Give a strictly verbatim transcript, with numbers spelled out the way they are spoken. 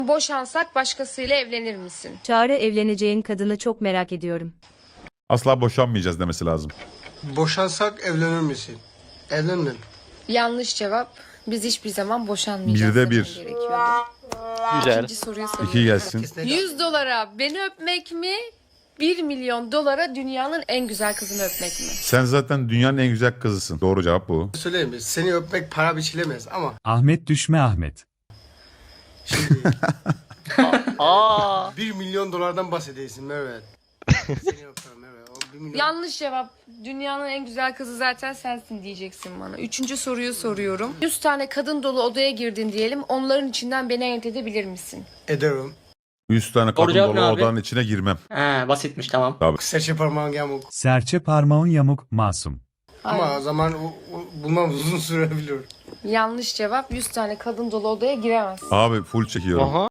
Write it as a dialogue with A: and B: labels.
A: Boşansak başkasıyla evlenir misin?
B: Çağrı, evleneceğin kadını çok merak ediyorum.
C: Asla boşanmayacağız demesi lazım.
D: Boşansak evlenir misin? Evlendin.
A: Yanlış cevap. Biz hiçbir zaman boşanmayacağız.
C: Birde bir.
A: demen gerekiyordu.
E: Güzel.
A: İkinci soruyu soruyorum.
C: İki gelsin.
A: yüz dolara beni öpmek mi? bir milyon dolara dünyanın en güzel kızını öpmek mi?
C: Sen zaten dünyanın en güzel kızısın. Doğru cevap bu.
D: Söyleyeyim mi? Seni öpmek para biçilemez ama
F: Ahmet düşme Ahmet.
D: şimdi
E: Aa.
D: bir milyon dolardan bahsediyorsun Merve. Seni öperim Merve. O bir milyon...
A: Yanlış cevap. Dünyanın en güzel kızı zaten sensin diyeceksin bana. Üçüncü soruyu soruyorum. yüz tane kadın dolu odaya girdin diyelim. Onların içinden beni ayırt edebilir misin?
D: Ederim.
C: yüz tane
E: Doğru
C: kadın
E: cevap
C: dolu
E: ne abi?
C: odanın içine girmem.
E: He, basitmiş tamam.
D: Serçe parmağın yamuk.
F: Serçe parmağın yamuk masum.
D: Ama
A: Hayır.
D: o zaman o, o, bulmam uzun sürebilir.
A: Yanlış cevap. yüz tane kadın dolu odaya giremezsin.
C: Abi full çekiyorum.
E: Aha.